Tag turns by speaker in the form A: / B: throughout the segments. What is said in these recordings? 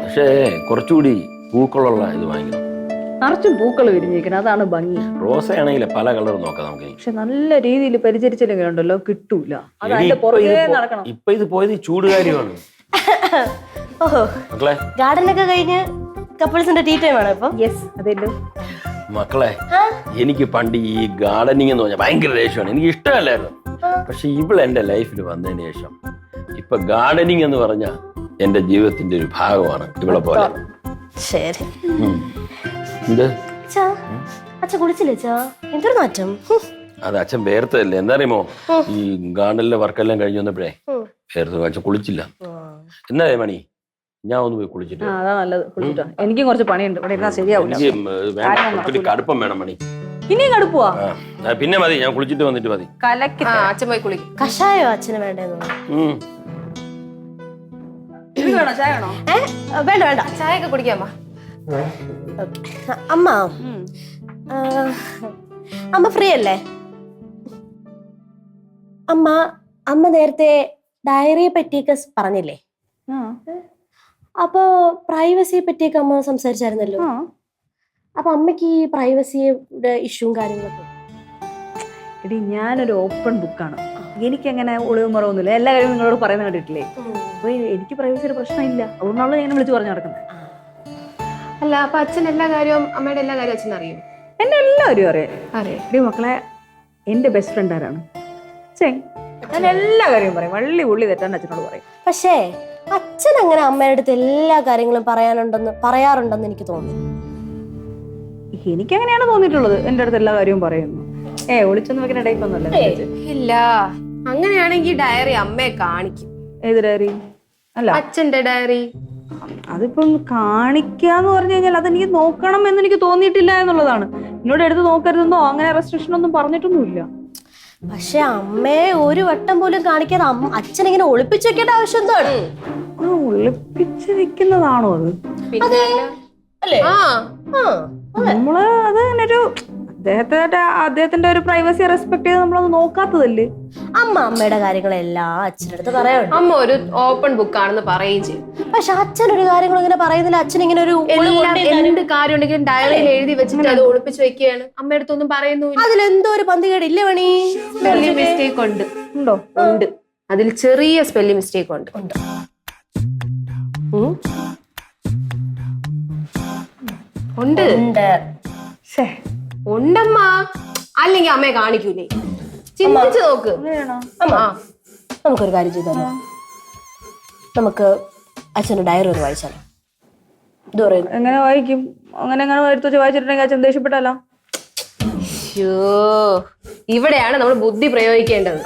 A: പക്ഷേ കുറച്ചുകൂടി പൂക്കളുള്ള ഇത് വാങ്ങിക്കണം.
B: നിറച്ചും പൂക്കൾ വിരിഞ്ഞിരിക്കണം, അതാണ് ഭംഗി.
A: റോസ ആണെങ്കിൽ പല കളർ നോക്കാം നമുക്ക്.
B: പക്ഷെ നല്ല രീതിയിൽ പരിചരിച്ചില്ലെങ്കിൽ ഉണ്ടല്ലോ കിട്ടൂല. അത് അതിന്റെ പുറകെ നടക്കണം.
A: ഇപ്പൊ ഇത് പോയത് ചൂടുകാര്യമാണ്.
C: ഓഹോ,
A: മക്കളെ
C: ഗാർഡനൊക്കെ കഴിഞ്ഞ് കപ്പിൾസിന്റെ ടീ ടൈം ആണ് ഇപ്പൊ.
B: യെസ്, അതല്ലോ.
A: മക്കളെ, എനിക്ക് പണ്ട് ഈ ഗാർഡനിങ് എന്ന് പറഞ്ഞാൽ ഭയങ്കര ദേഷ്യമാണ്, എനിക്ക് ഇഷ്ടമല്ലായിരുന്നു. പക്ഷെ ഇവള് എന്റെ ലൈഫിൽ വന്നതിന് ശേഷം ഇപ്പൊ ഗാർഡനിങ് എന്ന് പറഞ്ഞാൽ എന്റെ ജീവിതത്തിന്റെ ഒരു ഭാഗമാണ്. ഇവളെ പോലെ.
C: ശരി. അച്ഛൻ കുളിച്ചില്ലേ അച്ഛാ? എന്തൊരു മാറ്റം.
A: അത് അച്ഛൻ വേർത്തല്ലേ. എന്താ അറിയുമോ, ഈ ഗാർഡനിലെ വർക്കെല്ലാം കഴിഞ്ഞു വന്നപ്പോഴേ വേർത്ത്. അച്ഛൻ കുളിച്ചില്ല. എന്നാ മണി, ഞാൻ ഒന്ന് പോയി കുളിച്ചിട്ട്.
B: അതാ നല്ലത്, കുളിച്ചിട്ടോ. എനിക്കും കുറച്ച് പണിയുണ്ട്, ഇവിടെ ഇരുന്നാ ശരിയാവില്ല.
A: എനിക്ക് കടുപ്പം വേണം മണി.
B: ഇനിയും കടുപ്പുവാ?
A: പിന്നെ മതി, ഞാൻ കുളിച്ചിട്ട് വന്നിട്ട് മതി.
B: കലക്കി
C: അച്ഛൻ പോയി കുളിക്കും. കഷായോ അച്ഛന് വേണ്ടേന്ന്?
B: ചായ വേണോ?
C: വേണ്ട വേണ്ട, ചായ ഒക്കെ കുടിക്കാമ്മ. അമ്മ, അമ്മ ഫ്രീ അല്ലേ? അമ്മ നേരത്തെ ഡയറിയെ പറ്റിയൊക്കെ പറഞ്ഞില്ലേ? അപ്പൊ പ്രൈവസിയെ പറ്റിയൊക്കെ അമ്മ സംസാരിച്ചായിരുന്നല്ലോ. അപ്പൊ അമ്മക്ക് ഈ പ്രൈവസിയുടെ ഇഷ്യൂവും കാര്യങ്ങളൊക്കെ?
B: എടി, ഞാനൊരു ഓപ്പൺ ബുക്കാണ്. എനിക്കങ്ങനെ ഒളിവും മറവൊന്നുമില്ല. എല്ലാ കാര്യവും നിങ്ങളോട് പറയുന്നത് കണ്ടിട്ടില്ലേ? അപ്പൊ എനിക്ക് പ്രൈവസിയുടെ പ്രശ്നമില്ല. അതുകൊണ്ടാണല്ലോ ഞാൻ വിളിച്ചു പറഞ്ഞു നടക്കുന്നത്.
D: അല്ല, അപ്പൊ അച്ഛൻ എല്ലാ കാര്യവും, അമ്മയുടെ എല്ലാ കാര്യവും അച്ഛൻ അറിയും?
B: എന്നെ എല്ലാവരും അറിയാം. എടി മക്കളെ, എന്റെ ബെസ്റ്റ് ഫ്രണ്ട് ആരാണ്? ഞാൻ എല്ലാ കാര്യവും പറയും. വള്ളി ഉള്ളി തെറ്റാൻ അച്ഛനോട് പറയും.
C: പക്ഷേ അച്ഛൻ അങ്ങനെ അമ്മയുടെ അടുത്ത് എല്ലാ കാര്യങ്ങളും പറയാറുണ്ടെന്ന് എനിക്ക് തോന്നുന്നു.
B: എനിക്കങ്ങനെയാണ് തോന്നിയിട്ടുള്ളത്. എന്റെ അടുത്ത് എല്ലാ കാര്യവും പറയുന്നു. ഒളിച്ചൊന്നും വെക്കുന്ന ടൈപ്പ് ഒന്നുമല്ല.
D: ഇല്ല, അങ്ങനെയാണെങ്കിൽ ഡയറി അമ്മയെ കാണിക്കും.
B: ഏത് ഡയറി? അല്ല,
D: അച്ഛന്റെ ഡയറി.
B: അതിപ്പം കാണിക്കാന്ന് പറഞ്ഞു കഴിഞ്ഞാൽ അതെനിക്ക് നോക്കണം എന്ന് എനിക്ക് തോന്നിയിട്ടില്ല എന്നുള്ളതാണ്. എന്നോട് എടുത്ത് നോക്കരുതെന്നോ അങ്ങനെ റെസ്ട്രിക്ഷൻ ഒന്നും പറഞ്ഞിട്ടൊന്നുമില്ല.
C: പക്ഷെ അമ്മയെ ഒരു വട്ടം പോലും കാണിക്കാതെ അച്ഛൻ ഇങ്ങനെ ഒളിപ്പിച്ചു വെക്കേണ്ട ആവശ്യം എന്താണ്?
B: ഒളിപ്പിച്ച് വെക്കുന്നതാണോ അത്? നമ്മള് അത് ഒരു അദ്ദേഹത്തിന്റെ ഒരു പ്രൈവസി റെസ്പെക്ട് ചെയ്ത് നമ്മളത് നോക്കാത്തതല്ലേ?
C: അമ്മയുടെ കാര്യങ്ങളെല്ലാം അച്ഛൻ്റെ അടുത്ത് പറയാറുണ്ട്.
D: അമ്മ ഒരു ഓപ്പൺ ബുക്ക് ആണെന്ന് പറയുകയും ചെയ്യും.
C: പക്ഷെ അച്ഛൻ ഒരു കാര്യങ്ങളും ഇങ്ങനെ പറയുന്നില്ല. അച്ഛൻ ഇങ്ങനെ ഒരു
D: എന്ത് കാര്യം ഉണ്ടെങ്കിലും ഡയറിയിൽ എഴുതി വെച്ചിട്ട് അത് ഒളിപ്പിച്ച് വെക്കുകയാണ്. അമ്മയുടെ അടുത്തൊന്നും പറയുന്നില്ല.
C: അതിലെന്തോ ഒരു പന്തികേടില്ലേ മണി?
D: സ്പെല്ലിംഗ് മിസ്റ്റേക്ക് ഉണ്ട്.
B: ഉണ്ടോ?
D: ഉണ്ട്. അതിൽ ചെറിയ സ്പെല്ലിംഗ് മിസ്റ്റേക്ക് ഉണ്ട്. ഉണ്ട് ഉണ്ടമ്മ. അല്ലെങ്കിൽ അമ്മയെ കാണിക്കൂലേ? ചിന്തിച്ചു നോക്ക്.
C: നമുക്കൊരു കാര്യം ചെയ്താലോ? നമുക്ക് അച്ഛൻ്റെ ഡയറി ഒന്ന് വായിച്ചാലോ? ഇത് പറയുന്നു.
B: എങ്ങനെ വായിക്കും? അങ്ങനെ എടുത്ത് വായിച്ചിട്ടുണ്ടെങ്കിൽ അച്ഛൻ ദേഷ്യപ്പെട്ടാലോ?
D: ഇവിടെയാണ് നമ്മൾ ബുദ്ധി പ്രയോഗിക്കേണ്ടത്.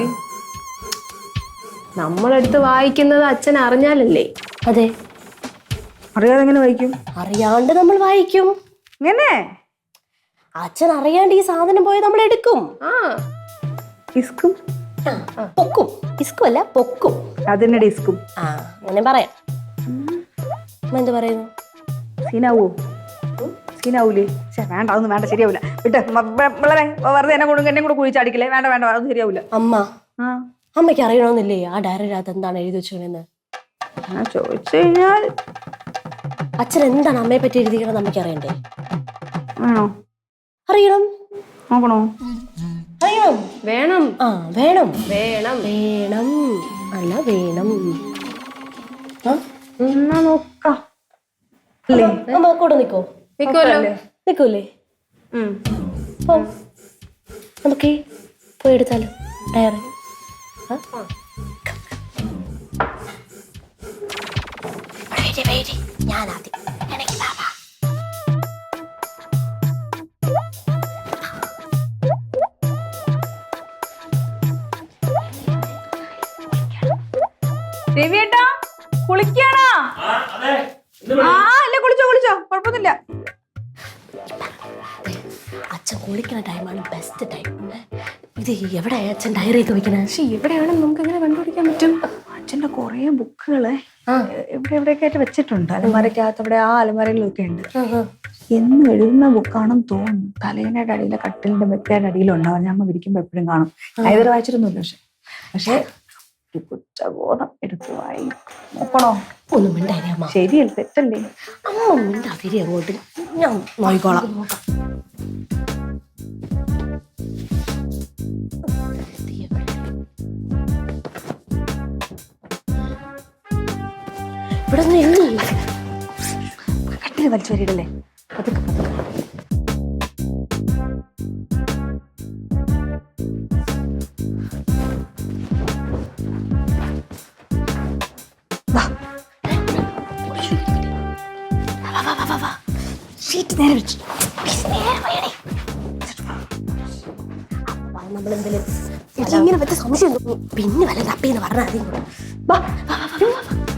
D: നമ്മളെടുത്ത് വായിക്കുന്നത് അച്ഛൻ അറിഞ്ഞാലല്ലേ?
C: അതെ,
B: അറിയാതെ എങ്ങനെ വായിക്കും?
C: അറിയാണ്ട് നമ്മൾ വായിക്കും.
B: ഇങ്ങനെ
C: അച്ഛൻ അറിയാണ്ട് ഈ സാധനം പോയി നമ്മൾ എടുക്കും.
B: ഡിസ്കും
C: പൊക്കും. ഡിസ്കും അല്ല, പൊക്കും.
B: അതിന്റെ ഡിസ്കും.
C: അങ്ങനെ പറയാം. എന്ത് പറയുന്നു?
B: സീനാവൂലേ? വേണ്ട, അതൊന്നും വേണ്ട, ശരിയാവില്ല. വിട്ട് വളരെ വെറുതെ എന്നെ കൂടെ കുഴിച്ചടിക്കില്ലേ? വേണ്ട, അതൊന്നും ശരിയാവില്ല.
C: അമ്മയ്ക്ക് അറിയണമെന്നില്ലേ ആ ഡയറിനകത്ത് എന്താണ് എഴുതി വെച്ചതെന്ന്?
B: ചോദിച്ചു കഴിഞ്ഞാൽ
C: അച്ഛൻ എന്താണ് അമ്മയെ പറ്റി എഴുതിക്കണമെന്ന് അമ്മയ്ക്ക് അറിയണ്ടേ?
B: ആണോ?
C: അറിയണം.
B: നോക്കണോ?
C: അറിയണം.
D: വേണം.
C: വേണം.
D: വേണം.
C: വേണം. അല്ല, വേണം.
B: എന്നാ നോക്കാം.
C: അമ്മ കൂടെ നിക്കോ? നിക്കൂലേ? നമുക്ക് പോയി എടുത്താലോ ഡയറി? ഞാനാദ്യം.
B: രവിയേട്ടാ, കുളിക്കാണോ? അല്ല, കുളിച്ചോ കുഴപ്പമൊന്നുമില്ല.
C: അച്ഛൻ കുളിക്കുന്ന ടൈമാണ് ബെസ്റ്റ് ടൈം. ഇത് എവിടെ അച്ഛൻ ഡയറി ഒക്കെ വെക്കണേ?
D: പക്ഷെ എവിടെയാണെന്ന് നമുക്ക് എങ്ങനെ കണ്ടുപിടിക്കാൻ പറ്റും?
B: അച്ഛന്റെ കുറെ ബുക്കുകള് എവിടെയൊക്കെ ആയിട്ട് വെച്ചിട്ടുണ്ട്. അലമാരക്കകത്ത് അവിടെ ആ അലമാരയിലൊക്കെ ഉണ്ട്. എന്നും എഴുതുന്ന ബുക്കാണെന്ന് തോന്നുന്നു. തലേനയുടെ അടിയിലെ കട്ടിലിന്റെ മെത്തയുടെ അടിയിലുണ്ടാവും. ഞാൻ വിരിക്കുമ്പോ എപ്പോഴും കാണും. ഇതുവരെ വായിച്ചിട്ടൊന്നുമില്ല. പക്ഷെ ഒരു കുറ്റബോധം എടുത്തു വായി നോക്കണോ?
C: ഒന്നും മിണ്ടായില്ലേ അമ്മ?
B: ശരിയല്ല, തെറ്റല്ലേ?
C: അമ്മ മിണ്ടാതിരി അങ്ങോട്ട്, ഞാൻ നോക്കിക്കോളാം. ഇവിടെ നിന്ന് എണ്ണി
B: കട്ടില് വലിച്ചു വരിടല്ലേ? പതുക്കെ പതുക്കെ. ഷീറ്റ് നേരെ വെച്ചു.
C: നമ്മളെന്തെങ്കിലും ഇങ്ങനെ പറ്റ സംശയം തോന്നി. പിന്നെ വല്ല തപ്പിന്ന് പറഞ്ഞാൽ